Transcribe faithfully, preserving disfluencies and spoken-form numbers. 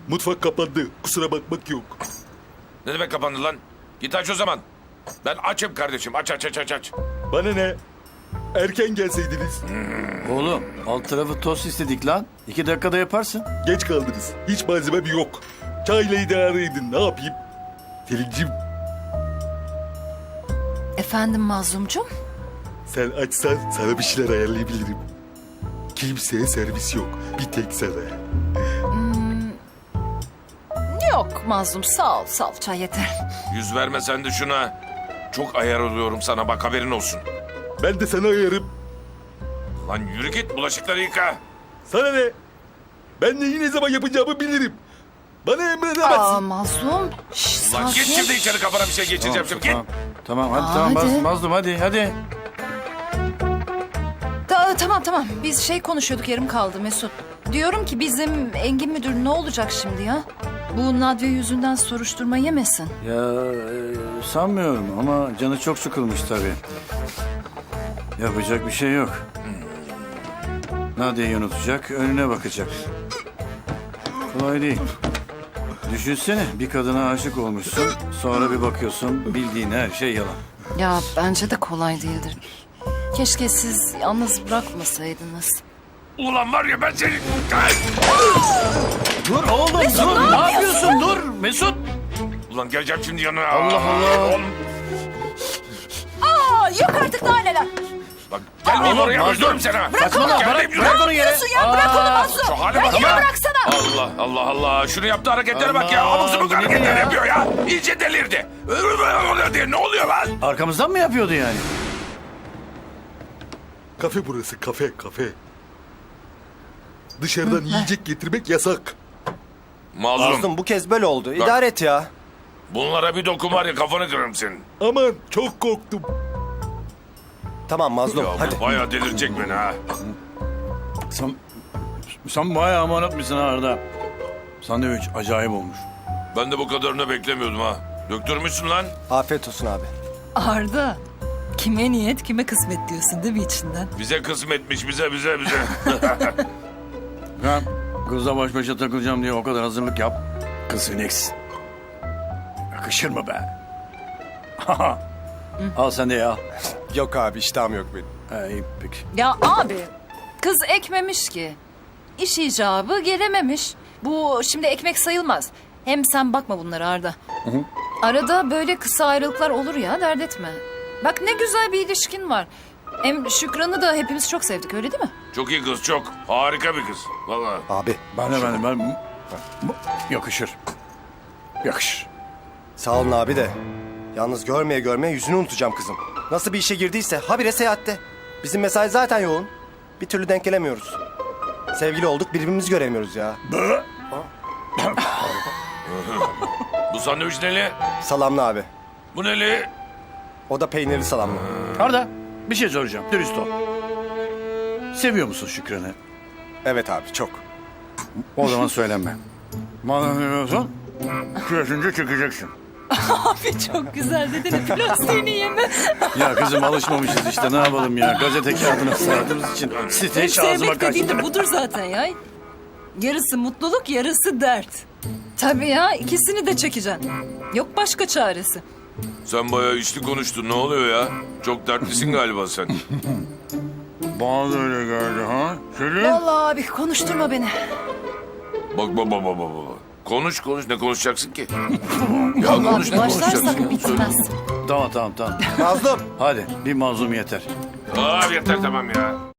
Mutfak kapandı. Kusura bakmak yok. Ne demek kapandı lan? Git aç o zaman. Ben açım kardeşim. Aç aç aç aç aç. Bana ne? Erken gelseydiniz. Oğlum alt tarafı tost istedik lan. İki dakikada yaparsın. Geç kaldınız. Hiç malzemem yok. Çayla idare edin. Ne yapayım? Selin'cim Efendim Mazlumcum? sen açsan sana bir şeyler ayarlayabilirim. Kimseye servis yok. Bir tek sana. Yok Mazlum sağ ol sağ ol çay yeter. Yüz verme sen de şuna. Çok ayar oluyorum sana bak haberin olsun. Ben de sana ayarım. Lan yürü git bulaşıkları yıka. Sana ne? Ben neyi ne zaman yapacağımı bilirim. Bana emredemezsin. Aa Mazlum. Şş, Lan git sakin. şimdi içeri kafana bir şey geçireceğim şimdi git. Tamam, tamam hadi Aa, tamam hadi. Maz- Mazlum hadi hadi. Ta- tamam tamam biz şey konuşuyorduk yarım kaldı Mesut. Diyorum ki bizim Engin Müdür ne olacak şimdi ya? Bu Nadya yüzünden soruşturma yemesin. Ya e, sanmıyorum ama canı çok sıkılmış tabii. Yapacak bir şey yok. Nadia'yı unutacak, önüne bakacak. Kolay değil. Düşünsene bir kadına aşık olmuşsun, sonra bir bakıyorsun bildiğin her şey yalan. Ya bence de kolay değildir. Keşke siz yalnız bırakmasaydınız. Ulan var ya ben seni... Ay! Dur oğlum dur, ne yapıyorsun dur Mesut. Ulan geleceğim şimdi yanına. Allah Allah. Oğlum, Aa, yok artık daha neler. bak gelmeyeyim Oğlum, oraya Mazlum. öldürürüm seni. ha. Saçmalama Gelmeyeyim, bırak, yürü. bırak onu yere. Ya bırak onu Mazlum. Şu hale Ya bak yine ya. bıraksana. Allah Allah Allah. Şunu yaptığı hareketlere bak ya. Allah, Abuk subuk bu nedir hareketler ya? yapıyor ya. İyice delirdi. diye ne oluyor lan? Arkamızdan mı yapıyordu yani? Kafe burası, kafe, kafe. Dışarıdan yiyecek getirmek yasak. Mazlum. Mazlum bu kez böyle oldu. İdare et ya. Bunlara bir dokun var ya kafanı kırarım senin. Aman çok korktum. Tamam Mazlum Ya hadi. bu bayağı delirecek beni ha. Sen, sen bayağı amanat mısın Arda? Sandviç acayip olmuş. Ben de bu kadarını beklemiyordum ha. Döktürmüşsün lan. Afiyet olsun abi. Arda, kime niyet kime kısmet diyorsun değil mi içinden? Bize kısmetmiş bize bize bize. Ben kızla baş başa takılacağım diye o kadar hazırlık yap. Kız Phoenix. Yakışır mı be? Al sen de ya. Yok abi iştahım yok benim. Ha, iyi peki. Ya abi kız ekmemiş ki. İş icabı gelememiş. Bu şimdi ekmek sayılmaz. Hem sen bakma bunlara Arda. Arada böyle kısa ayrılıklar olur ya dert etme. Bak ne güzel bir ilişkin var. Hem Şükran'ı da hepimiz çok sevdik öyle değil mi? Çok iyi kız çok. Harika bir kız. Vallahi. Abi Ben de ben de ben... Yakışır. Yakışır. sağ olun abi de. Yalnız görmeye görmeye yüzünü unutacağım kızım. Nasıl bir işe girdiyse habire seyahatte. Bizim mesai zaten yoğun. Bir türlü denk gelemiyoruz. Sevgili olduk birbirimizi göremiyoruz ya. Bu sandviç neli? Salamlı abi. Bu neli? O da peynirli salamlı. Arda bir şey soracağım. Dürüst ol. Seviyor musun Şükran'ı? Evet abi çok. O zaman söylenme. Madem seviyorsan küresince çekeceksin. Abi çok güzel dedin plastiğini yeme. Ya kızım alışmamışız işte ne yapalım ya. Gazete kağıdına sardığımız için site hiç ağzıma Sevmek dediğin kaçtı. de budur zaten ya. Yarısı mutluluk yarısı dert. Tabii ya ikisi. İkisini de çekeceksin. Yok başka çaresi. Sen bayağı içli konuştun. Ne oluyor ya? Çok dertlisin galiba sen. Bana da öyle geldi ha. Selin. Vallahi abi konuşturma beni. Bak bak bak bak bak. bak. Konuş konuş. Ne konuşacaksın ki? ya Vallahi konuş bir ne konuşacaksın? başlarsak bitmez. Tamam tamam tamam. Mazlum. Hadi bir mazlum yeter. Aa yeter tamam ya.